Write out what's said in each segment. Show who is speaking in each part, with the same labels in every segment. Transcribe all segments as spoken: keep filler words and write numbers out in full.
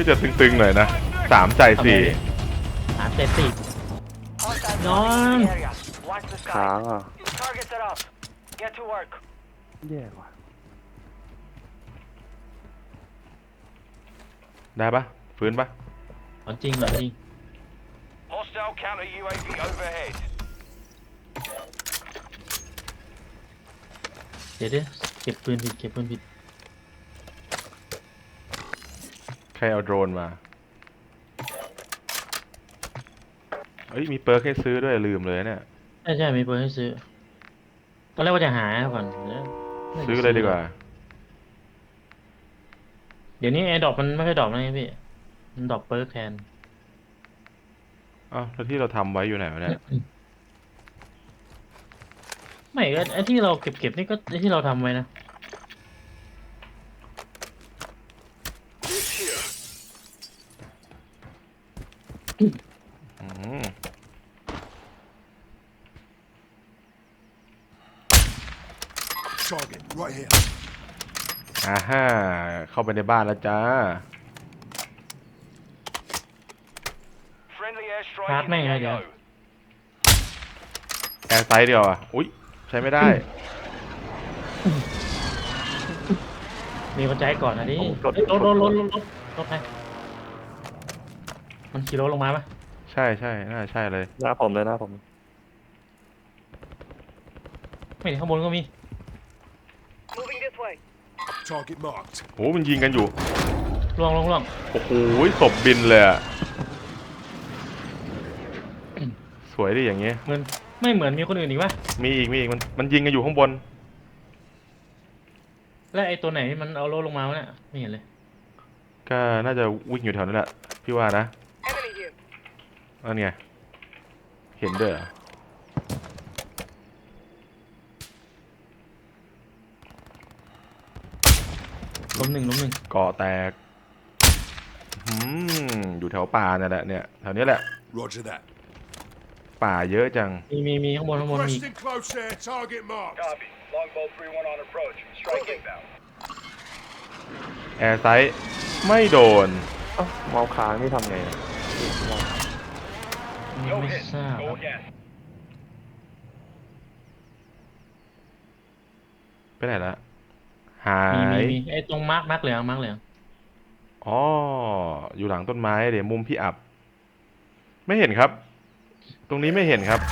Speaker 1: จะตึงๆหน่อยนะสามใจสี่
Speaker 2: สามใจสี่นอน
Speaker 3: ค้างอ่ะแย่ว่ะ
Speaker 1: ได้ปะฟื้นปะ
Speaker 2: ของจริงเหรอจริงเดี๋ยวเดี๋ยวเก็บปืนผิดเก็บปืนผิด
Speaker 1: ใครเอาโดรนมาเอ้ยมีเปิร์กให้ซื้อด้วยลืมเลยเนี่ย
Speaker 2: ใช่ใช่มีปืนให้ซื้อตอนแรกว่าจะหาก่อนแล้ว
Speaker 1: ซื้อเลยดีกว่า
Speaker 2: เดี๋ยวนี้ไอ้ดอกมันไม่ค่อยดอกนะพี่มันดอกเปิร์กแทน
Speaker 1: อ้าวแล้วที่เราทำไว้อยู่ไหนวะเนี่ย
Speaker 2: ไม่ก็ไอ้ที่เราเก็บเก็บนี่ก็ไอ้ที่เราทำไว้นะ
Speaker 1: อืม
Speaker 4: Target right here.
Speaker 1: อ่าฮ่าเข้าไปในบ้านแล้วจ้า
Speaker 2: ชาร์จแม่งเลยเดี๋ยว
Speaker 1: แอร์ไซส์เดียวอ่ะอุ๊ยใช้ไม่ได้
Speaker 2: มีคนใจก่อนนะดิรถรถรถรถรถรถไปมันขี่รถลงมาปะ
Speaker 1: ใช่ใช่น่าใช่เลย
Speaker 3: หน้าผมเลยหน้าผม
Speaker 2: ไม่ข้างบนก็มี
Speaker 4: Target marked.
Speaker 1: โหมันยิงกันอยู่
Speaker 2: ล่วงล่วงล่วง
Speaker 1: โอ้โหศพบินเลยอ่ะสวยดิอย่างเงี้ย
Speaker 2: เหมือนไม่เหมือนมีคนอื่นอีกปะ
Speaker 1: มีอีกมีอีกมันมันยิงกันอยู่ข้างบน
Speaker 2: แล้วไอ้ตัวไหนมันเอารถลงมาวะเนี่ยไม่เห็นเลย
Speaker 1: ก็น่าจะวิ่งอยู่แถวนั้นแหละพี่ว่านะนั่นไงเห็นด้วยเหรอ
Speaker 2: ล้มหนึ่งล้มหนึ่ง
Speaker 1: ก่อแตกอืมอยู่แถวป่าเนี่ยแหละเนี่ยแถวนี้แหละ
Speaker 4: Roger that.
Speaker 1: ป่าเยอะจัง
Speaker 2: มีมีมีข้างบนข้างบนมี
Speaker 4: Requesting close air. Target marked.
Speaker 5: Copy. Longbow three one on approach. Strike inbound.
Speaker 1: แอร์ไซส์ไม่โดน
Speaker 3: เอ้าเมาส์ค้างนี่ทำไงอะ
Speaker 2: ไม่
Speaker 5: No
Speaker 2: ไม่
Speaker 5: hit.
Speaker 2: ทราบ
Speaker 5: Go again.
Speaker 1: ไปไหนละหา
Speaker 2: มีมี
Speaker 1: ย
Speaker 2: มีไอ้ตรงมาร์กมาร์กเหลืองมาร์กเหลือง
Speaker 1: อ๋ออยู่หลังต้นไม้เดี๋ยวมุมพี่อับไม่เห็นครับตรงนี้ไม่เห็นครับ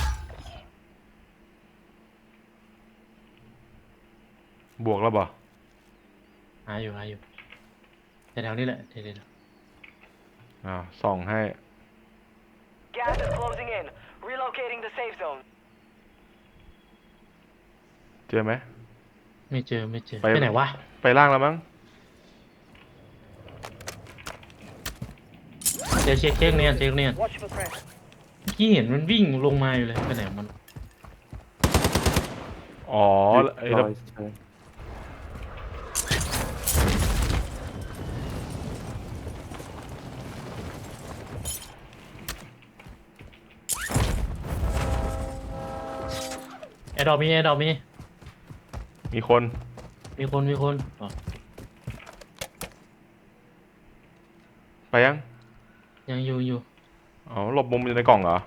Speaker 1: บวกแล้วบ่
Speaker 2: หาอยู่หาอยู่แถวๆนี้แหละเดี๋ยวเดี๋ยว
Speaker 1: อ้าวส่องให้
Speaker 6: Gas is closing in. Relocating the safe zone.
Speaker 1: เจอไหม
Speaker 2: ไม่เจอไม่เจอ
Speaker 1: ไป
Speaker 2: ไปไหนวะ
Speaker 1: ไปล่างแล้วมั้ง
Speaker 2: เดี๋ยวเช็คเช็คเนี่ยเช็คเนี่ย
Speaker 6: Watch for threats.
Speaker 2: เมื่อกี้เห็นมันวิ่งลงมาอยู่เลยไปไหนของมัน
Speaker 1: อ๋อไอ้
Speaker 3: ร
Speaker 1: ระ
Speaker 3: อยใช่
Speaker 2: แอร์ดรอปมีแอร์ดรอปมี
Speaker 1: มีคน
Speaker 2: มีคนมีคนอ๋อ
Speaker 1: ไปยัง
Speaker 2: ยังอยู่อยู่
Speaker 1: อ๋อหลบมุมอยู่ในกล่องเหรอ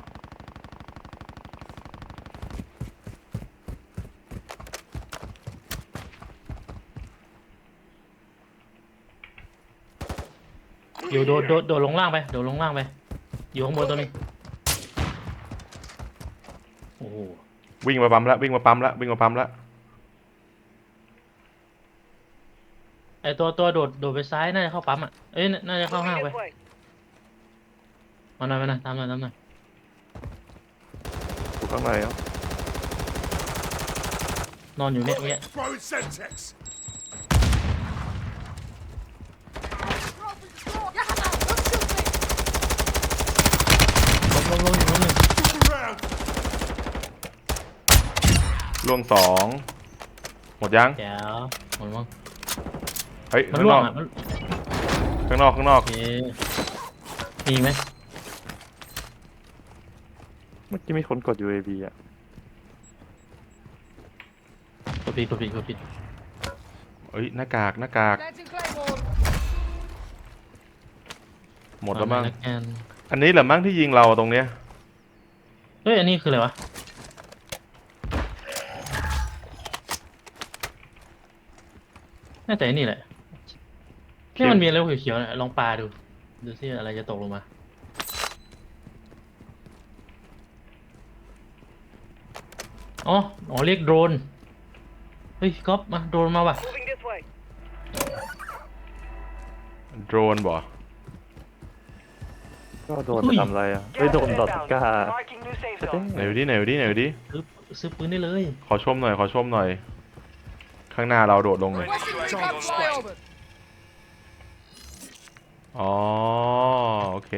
Speaker 2: อยู่โดดโดดโดดลงล่างไปโดดลงล่างไปอยู่ข้างบนตัวนึงโอ้โห
Speaker 1: วิ่งมาปั๊มแล้ววิ่งมาปั๊มแล้ววิ่งมาปั๊มแล้ว
Speaker 2: ไอตัวตัวโดดโดดไปซ้ายน่าจะเข้าปั๊มอ่ะเอ้ยน่าจะเข้าห้างไปมาหน่อยมาหน่อยตามหน่อยตามหน่อย
Speaker 3: อยู่ข้างในอ่ะ
Speaker 2: นอนอยู่เนี่ยเนี่ย
Speaker 4: Throwing Semtex.
Speaker 2: ล้มล้มล้มอยู่ล้มหนึ่ง
Speaker 4: Look around.
Speaker 1: ล่วงสองหมดยัง
Speaker 2: แจ๋วหมดมั้ง
Speaker 1: เฮ้ย
Speaker 2: มัน
Speaker 1: ข้าง
Speaker 2: ล่
Speaker 1: น
Speaker 2: วง
Speaker 1: อก
Speaker 2: อ่ะมัน
Speaker 1: ข้างนอกข้างนอก
Speaker 2: โอเคมีไหม
Speaker 3: เมื่อกี้มีคนกด ยู เอ วี อ่ะ
Speaker 2: กดผิดกดผิดกดผิด
Speaker 1: เอ้ยหน้ากากหน้ากากหมดแล้วมั้ง
Speaker 2: แล้วกัน
Speaker 1: อันนี้แหละมั้งที่ยิงเราตรงเนี้ย
Speaker 2: เฮ้ยอันนี้คืออะไรวะน่าจะไอ้นี่แหละนี่มันมีอะไรเขียวๆเนี่ยลองปาดูดูสิอะไรจะตกลงมาอ๋ออ๋อเรียกโดรนเฮ้ยก๊อฟมาโดรนมาว่ะ
Speaker 6: Moving this way.
Speaker 1: โดรนบ่
Speaker 3: ก็โดนไปทำอะไรอ่ะไม่โดนดอทก้า
Speaker 6: Marking new safe
Speaker 3: เจ๊
Speaker 6: zone.
Speaker 1: ไหนดูดิไหนดูดิไหนดูดิ
Speaker 2: ซื้อซื้อปืนได้เลย
Speaker 1: ขอชมหน่อยขอชมหน่อย ข้างหน้าเราโดดลงเลย
Speaker 4: Requesting recon flyover.
Speaker 1: อ๋อโอเค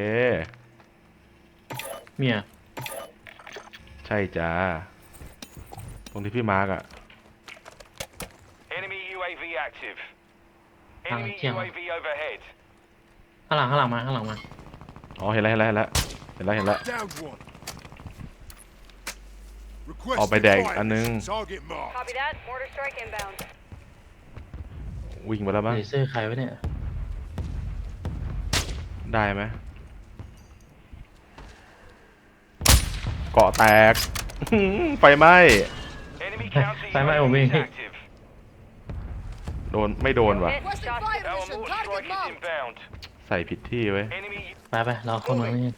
Speaker 2: เมีย
Speaker 1: ใช่จ้าตรงที่พี่มาร์กอะ
Speaker 5: Enemy U A V active.
Speaker 2: Ah,
Speaker 5: Enemy
Speaker 2: yeah.
Speaker 5: U A V overhead.
Speaker 2: ข้างหลังข้างหลังมาข้างหลังมา
Speaker 1: อ๋อเห็นแล้วเห็นแล้วเห็นแล้วเห็นแล้วเห็นแล้ว
Speaker 4: Downed one.
Speaker 1: เอาไป
Speaker 4: Requesting
Speaker 1: แดก
Speaker 4: fire
Speaker 1: อันนึง
Speaker 4: mission. Target marked.
Speaker 6: Copy that. Mortar strike inbound.
Speaker 1: วิ่งไปแล้วมั้ง
Speaker 2: เลเซอร์ใครวะเนี่ย
Speaker 1: ได้ไหมเกาะแตก ไฟไหม้
Speaker 5: Enemy counter
Speaker 2: Phải mấy
Speaker 5: U A
Speaker 2: ông
Speaker 5: V is
Speaker 2: Vinh.
Speaker 5: active.
Speaker 1: โดนไม่โดนว่ะ
Speaker 6: Hit. Shot.
Speaker 5: Our mortar strike is inbound.
Speaker 1: ใส่ผิดที่ไว้ย
Speaker 5: Enemy
Speaker 2: ไปไปเราเข้าเมืองนี่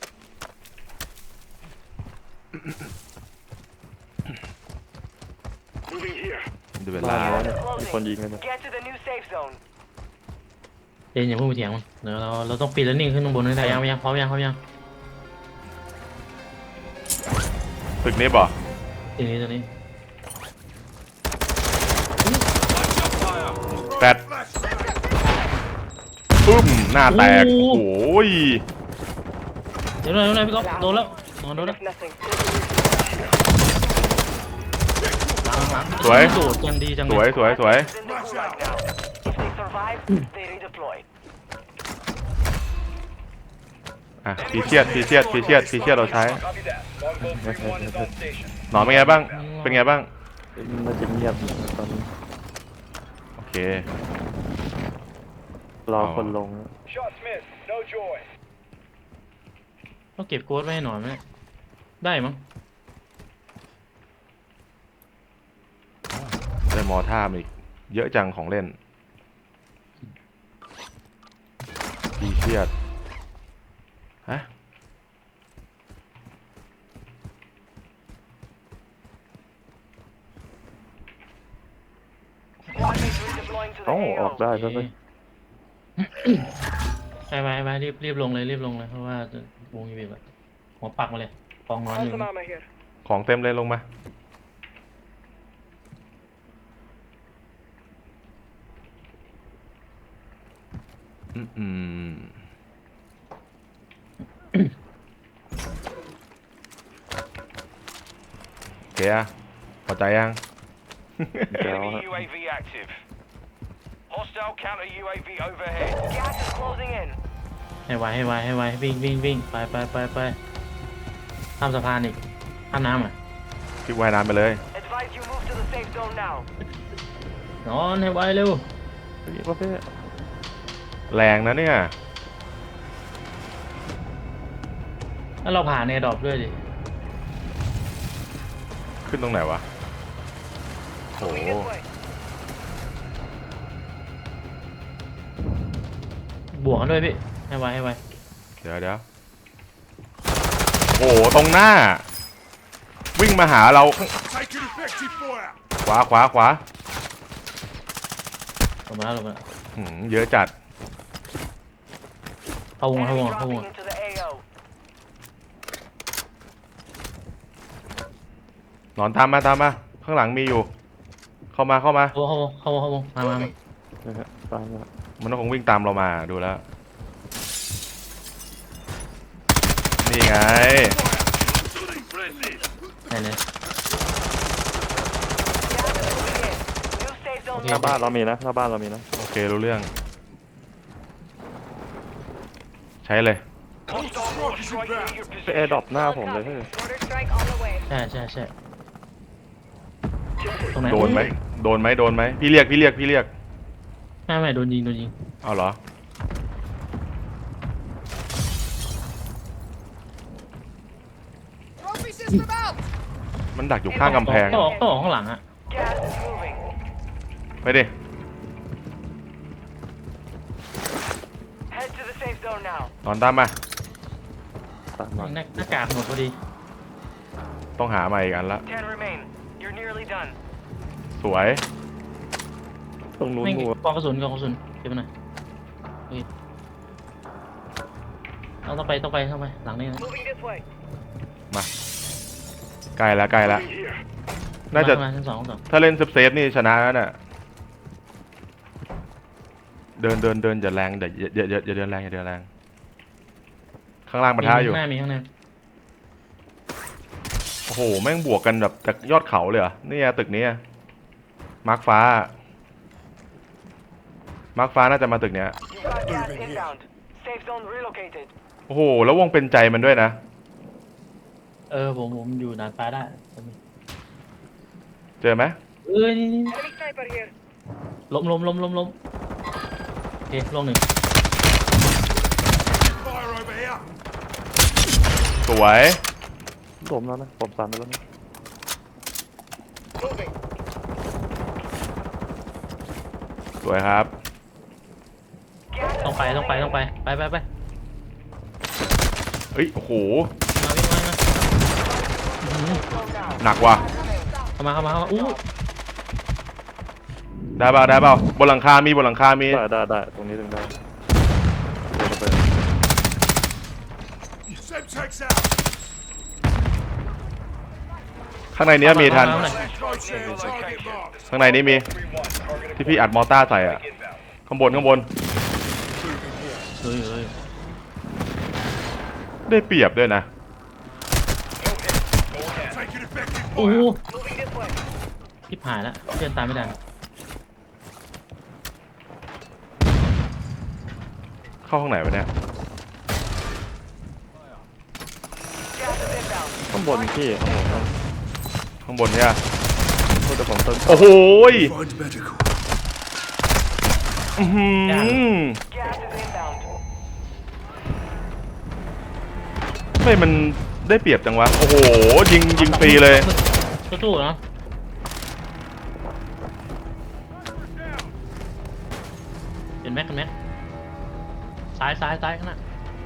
Speaker 1: ดูเว
Speaker 3: บ้า
Speaker 1: ลาน
Speaker 3: แล้วเนี่ยมีคนยิงกันเนี่ย
Speaker 6: Get to the new safe zone.
Speaker 2: เจนอย่าเพิ่งไปเถียงมันเดี๋ยวเราเราต้องปีนแล้วนิ่งขึ้นข้างบนให้ได้ยังยังพร้อมยังพร้อมยัง
Speaker 1: ตึกนี้บ่
Speaker 2: ทีนี้ตัวนี้
Speaker 1: แปดปึ้มหน้าแตก โอ้โหย
Speaker 2: เดี๋ยวหน่อยเดี๋ยวหน่อยพี่ก๊อฟโดนแล้วโดนแล้ว
Speaker 6: Nothing.
Speaker 2: หลังหลัง
Speaker 1: สวย
Speaker 2: โดดกันดีจัง
Speaker 1: ส
Speaker 2: เล
Speaker 1: วย
Speaker 2: ย
Speaker 1: สวยสวย
Speaker 6: In the gulag now. If they survive, they redeploy.
Speaker 1: อ่ะพีเชียดพีเชียดพีเชียดพีเชียดเราใช้
Speaker 5: Copy that. Longbow three one is on station.
Speaker 1: หนอนเป็นไงบ้าง เป็นไงบ้าง
Speaker 3: น่าจะเงียบตอนนี้
Speaker 1: โอเค
Speaker 3: รอคนลง
Speaker 5: Shots missed. No joy.
Speaker 2: ต้องเก็บโค้ดไว้ให้หน่อยไหมเนี่ยได้มั้ง
Speaker 1: ได้มอท่ามอีก เยอะจังของเล่นพีเชียดฮะ
Speaker 6: Squad mates redeploying to the
Speaker 3: เอ้าออก
Speaker 6: A O.
Speaker 3: ได้แล้วไหม
Speaker 2: ไปไปไปรีบรีบลงเลยรีบลงเลยเพราะว่าจะวงยีบีแบบหัวปักมาเลยกองนอนอยู่
Speaker 6: Some ammo here.
Speaker 1: ของเต็มเลยลงมา อืมอืมโอเคอะพอใจยัง
Speaker 3: เดี๋ยว
Speaker 5: Enemy U A V active. Hostile counter U A V overhead.
Speaker 6: Gas is closing in.
Speaker 2: ให้ไวให้ไวให้ไววิ่งวิ่งวิ่งไปไปไปไปข้ามสะพานอีกข้ามน้ำอ่ะ
Speaker 1: พี่ว่ายน้ำไปเลย
Speaker 6: Advise you move to the safe zone now.
Speaker 2: นอนให้ไวเร็ว
Speaker 3: อีกประเภท
Speaker 1: แรงนะเนี่ย
Speaker 2: แล้วเราผ่านในดรอปด้วยดิ
Speaker 1: ขึ้นตรงไหนวะโห
Speaker 6: Moving this way.
Speaker 2: บวกกันด้วยพี่ให้ไวให้ไว
Speaker 1: เดี๋ยวเดี๋ยวโอ้โห ตรงหน้า วิ่งมาหาเรา
Speaker 4: Taking effective fire.
Speaker 1: ขวาขวาขวา
Speaker 2: ลงมาแล้วลงมาแล้ว
Speaker 1: หืมเยอะจัด
Speaker 2: เข้าวงเข้าว
Speaker 6: Enemy
Speaker 2: งเข้าวง
Speaker 6: dropping into the A O.
Speaker 1: หนอนตามมาตามมา ข้างหลังมีอยู่ เข้ามาเข้ามา
Speaker 2: เข้าวงเข้าวงเข้าวงเข้าวงมามามา
Speaker 3: นะฮะตามมา
Speaker 1: มันต้องคงวิ่งตามเรามาดูแล้ว นี่ไง
Speaker 2: ไหนเลย
Speaker 6: Gas is moving in. New safe zone
Speaker 2: โอเค
Speaker 3: หน้าบ้านเรามีนะหน้าบ้านเรามีนะ
Speaker 1: โอเค รู้เรื่อง ใช้เลย
Speaker 5: Hostile mortar strike near your
Speaker 3: ไปแอร์ดรอ
Speaker 5: position.
Speaker 3: ปหน้าผมเลยเฮ้ย
Speaker 6: Mortar strike on the way.
Speaker 2: ใช่ใช่ใช่ตรงไหน
Speaker 1: โดนไหม โดนไหมโดนไหม พี่เรียก พี่เรียก พี่เรียก
Speaker 2: ไม่ไม่โดนยิงโดนยิง
Speaker 1: เอาเหรอ
Speaker 4: them out!
Speaker 1: มันดักอยู่ข้างกำแพง
Speaker 2: ต้องออกต้องออกข้างหลังอะ
Speaker 6: Gas is moving.
Speaker 1: ไปดิ
Speaker 6: Head to the safe zone now.
Speaker 1: นอนตามมา
Speaker 3: ตามมา
Speaker 2: หน้าหน้ากากหมดพอดี
Speaker 1: ต้องหามาอีกอันละ
Speaker 6: Ten remain. You're nearly done.
Speaker 1: สวย
Speaker 3: ตรงนู้น
Speaker 2: ไม่
Speaker 3: หมัว
Speaker 2: กองกระสุนกองกระสุนเก็บมาหน่อยโอเคเอาต้องไปต้องไปต้องไปหลังนี้นะ
Speaker 6: Moving this way.
Speaker 1: มาใกล้แล้วใกล้แล้วน่าจะ
Speaker 2: มมาชั้นสองชั้นสอง
Speaker 1: ถ้าเล่นเซฟๆนี่ชนะแล้วน่ะ เดินเดินเดินอย่าแรงอย่าอย่าอย่าอย่าเดินแรงอย่าเดินแรง ข้างล่างปะทะอยู่
Speaker 2: ข้างหน้ามีข้างหน้า
Speaker 1: โอ้โห แม่งบวกกันแบบจากยอดเขาเลยเหรอนี่ตึกนี้มาร์คฟ้า มาร์คฟ้าน่าจะมาตึกเนี้ย
Speaker 6: You've got gas inbound. Safe zone relocated.
Speaker 1: โอ้โห แล้ววงเป็นใจมันด้วยนะ
Speaker 2: เออผมผมอยู่นานฟ้าได้ผม
Speaker 1: เจอไหม
Speaker 2: เออนี่นี่
Speaker 6: Enemy sniper here.
Speaker 2: ล้มล้มล้มล้มล้มโอเคลงหนึ่ง
Speaker 4: Fire over here!
Speaker 1: สวย
Speaker 3: ล้มแล้วนะผมสามไปแล้วนะ
Speaker 6: Moving.
Speaker 1: สวยครับ
Speaker 6: Gas
Speaker 2: ต้องไปต้องไปต้องไปไปไปไป
Speaker 1: เอ้ย โอ้โห
Speaker 2: มาวิ่งมามาอื้อหือ
Speaker 6: zone now.
Speaker 1: หนักว่ะ
Speaker 2: เข้ามาเข้ามาเข้ามาอู้
Speaker 1: ได้เปล่าได้เปล่าบนหลังคา มีบนหลังคา มี
Speaker 3: ได้ได้ได้ตรงนี้ถึงได้เดินไป
Speaker 4: Semtex out!
Speaker 1: ข้างในเนี้ยมีทัน
Speaker 2: เข้ามา
Speaker 4: Close in, target marked.
Speaker 1: ข้างในนี้มี ที่พี่อัดมอต้าใส่อ่ะ ข้างบนข้างบน
Speaker 2: เฮ้ยเฮ้ย
Speaker 1: ได้เปรียบด้วยนะ
Speaker 4: Taking effective
Speaker 2: โอ้โห
Speaker 4: fire!
Speaker 6: Moving this way.
Speaker 2: ทิพหายแล้วเพื่อนตามไม่ทัน
Speaker 1: เข้าห้องไหนวะเนี่ย
Speaker 6: Gas is inbound.
Speaker 3: ข้างบนพี่ข้างบนข้าง
Speaker 1: ข้างบนเนี่ย
Speaker 3: บนแต่ผมเติม
Speaker 1: โอ้โหย
Speaker 4: Find medical.
Speaker 1: อื้อหือ
Speaker 6: Gas is inbound.
Speaker 1: ไม่มันได้เปรียบจังวะ โอ้โห ยิงยิงฟรีเลย
Speaker 2: สู้ๆเนาะเห็นไหมเห็นไหมซ้ายซ้ายซ้ายข้างหน้า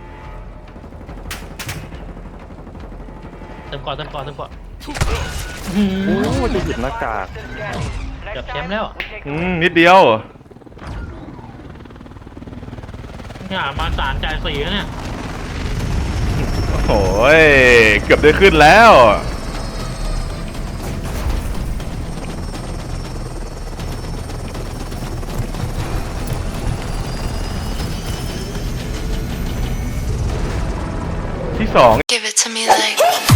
Speaker 2: เติมก่อนเติมก่อนเติมก่อนอื้อ
Speaker 3: โอ้
Speaker 2: หือ
Speaker 3: จะหยิบหน้ากาก
Speaker 6: This is gas. Next
Speaker 2: เกือบแชมป์
Speaker 6: time,
Speaker 2: แล้ว
Speaker 6: we take
Speaker 1: อืมนิดเดียว
Speaker 2: เนี่ยมาสารจ่ายสีแล้วเนี่ย
Speaker 1: โอ้ย เกือบได้ขึ้นแล้ว ที่สอง
Speaker 7: Give it to me like